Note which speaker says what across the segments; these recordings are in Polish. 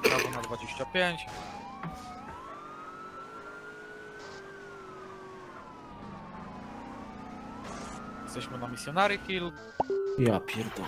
Speaker 1: Prawo na 25. Jesteśmy na Missionary Hill.
Speaker 2: Ja pierdolę.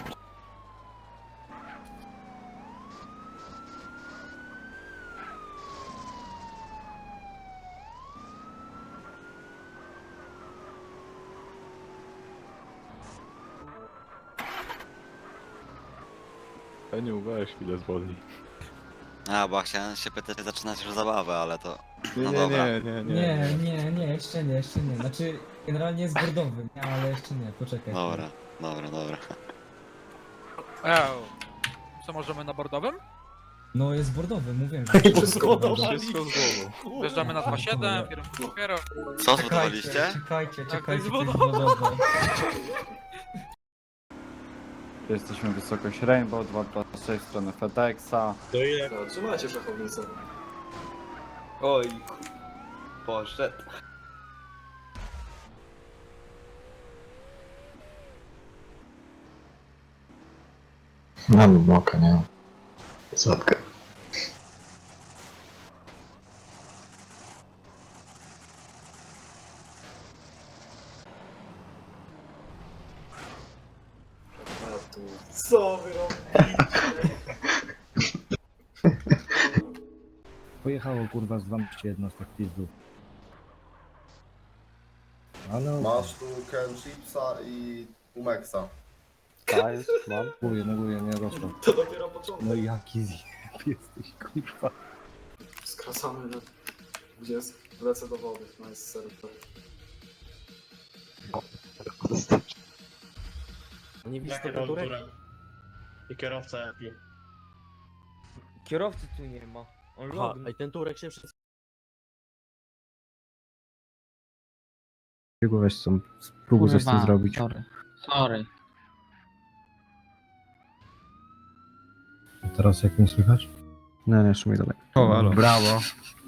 Speaker 3: Eniu, weź chwilę zwolnij.
Speaker 4: A, bo chciałem się pytać, czy zaczynać już zabawę, ale to...
Speaker 3: Nie,
Speaker 4: No
Speaker 3: nie,
Speaker 4: dobra.
Speaker 5: Nie, jeszcze nie. Znaczy, generalnie jest bordowy, nie, ale jeszcze nie, poczekaj.
Speaker 4: Dobra.
Speaker 1: Co możemy na bordowym?
Speaker 5: No jest bordowy, mówiłem, że
Speaker 2: Wszystko
Speaker 3: Wszystko z głową.
Speaker 1: Wjeżdżamy na 2.7, kierunku dopiero.
Speaker 4: Co zbudowaliście?
Speaker 5: Czekajcie,
Speaker 1: Tak,
Speaker 5: to jest
Speaker 1: bordowe.
Speaker 5: bordowe.
Speaker 6: Jesteśmy wysokość Rainbow 226 w stronę FedExa.
Speaker 2: To ile? No, trzymajcie szachownicę. Oj, poszedł.
Speaker 7: Mam moka, nie? Zadkę.
Speaker 2: Co wy robicie?
Speaker 8: Pojechało kurwa z 12 jednostek pizdów. Ale
Speaker 9: Masz tu Ken Chipsa i Umexa.
Speaker 6: Dajesz, mam.
Speaker 8: neguję, nie rosło.
Speaker 2: To dopiero początek.
Speaker 8: No jaki zjeb jesteś kurwa.
Speaker 2: Skracamy na... Gdzie jest? Lecę do wody. Nice, serwer. Nie widzisz
Speaker 10: tego turek? I kierowca japi.
Speaker 2: Kierowcy tu nie ma. On logn.
Speaker 10: i ten turek się wszystko...
Speaker 8: Jego weź są, spróbuj coś z tym zrobić.
Speaker 11: Sorry.
Speaker 8: Teraz jak mnie słychać? Nie, jeszcze mi dalej.
Speaker 3: O, halo.
Speaker 8: Brawo.